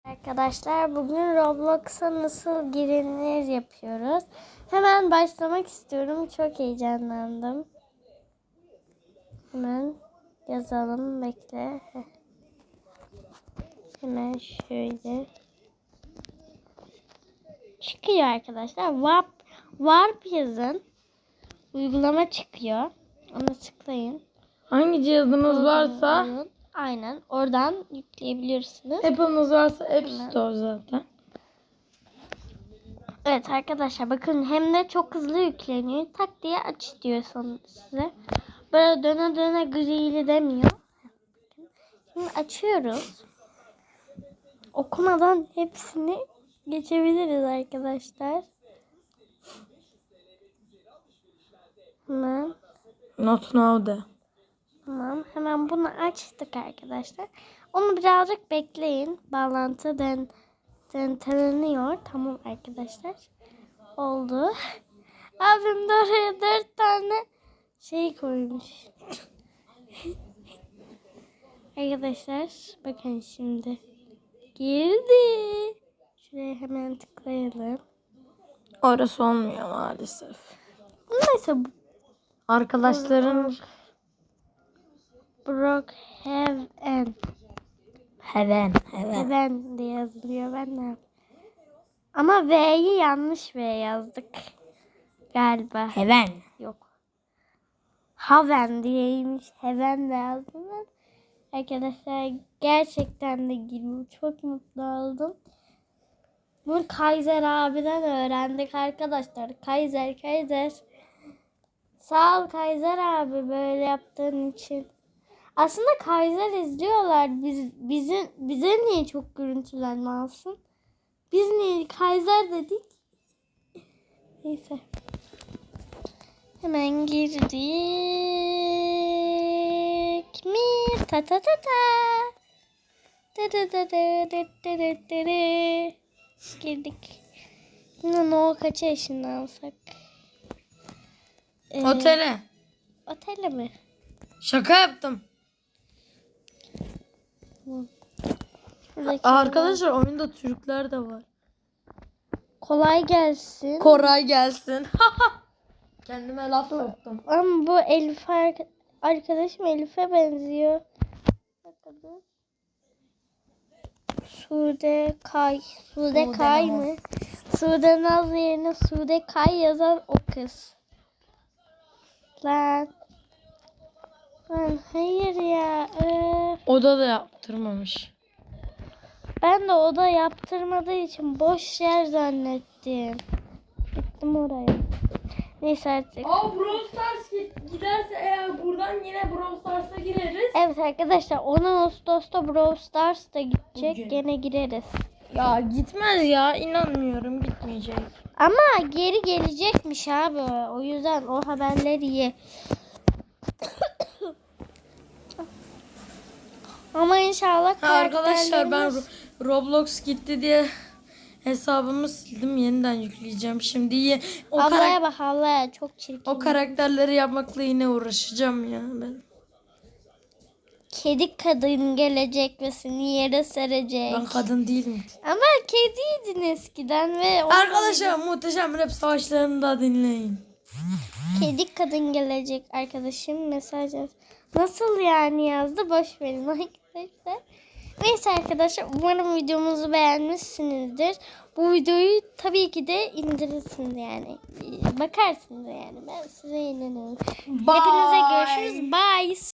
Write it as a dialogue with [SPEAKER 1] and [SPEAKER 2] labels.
[SPEAKER 1] Arkadaşlar bugün Roblox'a nasıl girilir yapıyoruz. Hemen başlamak istiyorum. Çok heyecanlandım. Hemen yazalım. Bekle. Hemen şöyle. Çıkıyor arkadaşlar. Warp yazın. Uygulama çıkıyor. Ona tıklayın.
[SPEAKER 2] Hangi cihazınız varsa
[SPEAKER 1] Aynen. Oradan yükleyebilirsiniz.
[SPEAKER 2] Apple'ınız varsa App Store zaten.
[SPEAKER 1] Evet arkadaşlar bakın hem de çok hızlı yükleniyor. Tak diye aç diyor sonra size. Böyle döne döne grili demiyor. Şimdi açıyoruz. Okumadan hepsini geçebiliriz arkadaşlar. Hemen.
[SPEAKER 2] Not now de.
[SPEAKER 1] Tamam. Hemen bunu açtık arkadaşlar. Onu birazcık bekleyin. Bağlantı deneteniyor. Tamam arkadaşlar. Oldu. Abim de oraya 4 tane şey koymuş. Arkadaşlar bakın şimdi. Girdi. Şuraya hemen tıklayalım.
[SPEAKER 2] Orası olmuyor maalesef.
[SPEAKER 1] Neyse.
[SPEAKER 2] Arkadaşların
[SPEAKER 1] Brookhaven. Heaven diye yazılıyor. Ben de. Ama V'yi yanlış V yazdık. Galiba.
[SPEAKER 2] Heaven.
[SPEAKER 1] Yok. Haven diyeymiş. Heaven de yazdım ben. Arkadaşlar gerçekten de girdim. Çok mutlu oldum. Bunu Kaiser abiden öğrendik arkadaşlar. Kaiser. Sağ ol Kaiser abi böyle yaptığın için. Aslında Kaiser izliyorlar. Bize niye çok görüntülenme alsın? Biz niye Kaiser dedik? Neyse. Hemen girdik mi? Ta ta ta ta. Girdik. Şimdi Noah kaça yaşında alsak?
[SPEAKER 2] Otele.
[SPEAKER 1] Otele mi?
[SPEAKER 2] Şaka yaptım.
[SPEAKER 1] Şuradaki
[SPEAKER 2] Arkadaşlar oyunda Türkler de var.
[SPEAKER 1] kolay gelsin.
[SPEAKER 2] Koray gelsin. Kendime laf soktum.
[SPEAKER 1] Ama bu Elif arkadaşım Elif'e benziyor. Bakalım. Sude Kay mı? Sude Naz yerine Sude Kay yazan o kız. Lan hayır ya.
[SPEAKER 2] Oda da yaptırmamış.
[SPEAKER 1] Ben de oda yaptırmadığı için boş yer zannettim. Gittim oraya. Neyse artık.
[SPEAKER 2] Brawl Stars giderse eğer buradan yine Brawl Stars'a gireriz.
[SPEAKER 1] Evet arkadaşlar 10 Ağustos'ta Brawl Stars da gidecek.
[SPEAKER 2] Bugün.
[SPEAKER 1] Gene gireriz.
[SPEAKER 2] Ya gitmez ya, inanmıyorum, gitmeyecek.
[SPEAKER 1] Ama geri gelecekmiş abi. O yüzden o haberleri ye. Ama inşallah
[SPEAKER 2] Arkadaşlar ben
[SPEAKER 1] karakterlerimiz-
[SPEAKER 2] Roblox gitti diye hesabımı sildim, yeniden yükleyeceğim. Şimdi
[SPEAKER 1] Ablaya bak ablaya çok çirkin.
[SPEAKER 2] o karakterleri yapmakla yine uğraşacağım ya ben.
[SPEAKER 1] Kedi kadın gelecek ve seni yere serecek.
[SPEAKER 2] Ben kadın değilim.
[SPEAKER 1] Ama kediydin eskiden ve
[SPEAKER 2] Arkadaşlar muhteşem rap savaşlarını da dinleyin.
[SPEAKER 1] kedi kadın gelecek arkadaşım mesaj yaz. Nasıl yani yazdı? Boş verin arkadaşlar. Neyse arkadaşlar umarım videomuzu beğenmişsinizdir. Bu videoyu tabii ki de indirirsiniz yani. Bakarsınız yani. Ben size inanıyorum. Hepinize görüşürüz. Bye.